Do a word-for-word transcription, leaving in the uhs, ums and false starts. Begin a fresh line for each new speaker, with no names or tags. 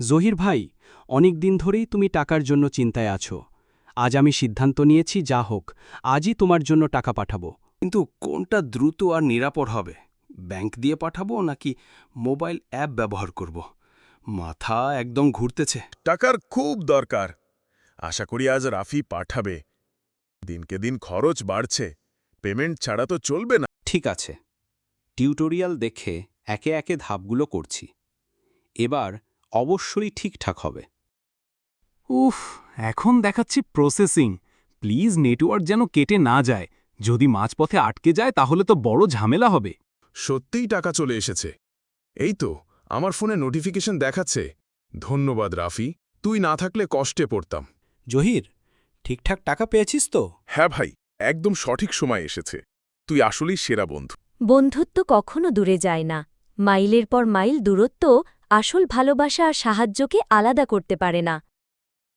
জহির ভাই, অনেক দিন ধরেই তুমি টাকার জন্য চিন্তায় আছো। আজ আমি সিদ্ধান্ত নিয়েছি, যা হোক আজই তোমার জন্য টাকা পাঠাবো।
কিন্তু কোনটা দ্রুত আর নিরাপদ হবে? ব্যাংক দিয়ে পাঠাবো নাকি মোবাইল অ্যাপ ব্যবহার করব? মাথা একদম ঘুরতেছে।
টাকার খুব দরকার। আশা করি আজ রাফি পাঠাবে। দিনকে দিন খরচ বাড়ছে, পেমেন্ট ছাড়া তো চলবে না।
ঠিক আছে, টিউটোরিয়াল দেখে একে একে ধাপগুলো করছি। এবার অবশ্যই ঠিকঠাক হবে।
উফ, এখন দেখাচ্ছি প্রসেসিং। প্লিজ নেটওয়ার্ক যেন কেটে না যায়। যদি মাঝপথে আটকে যায় তাহলে তো বড় ঝামেলা হবে।
সত্যিই টাকা চলে এসেছে। এই তো আমার ফোনে নোটিফিকেশন দেখাচ্ছে। ধন্যবাদ রাফি, তুই না থাকলে কষ্টে পড়তাম।
জহির, ঠিকঠাক টাকা পেয়েছিস তো?
হ্যাঁ ভাই, একদম সঠিক সময় এসেছে। তুই আসলেই সেরা বন্ধু।
বন্ধুত্ব কখনো দূরে যায় না। মাইলের পর মাইল দূরত্ব আসল ভালোবাসা আর সাহায্যকে আলাদা করতে পারে না।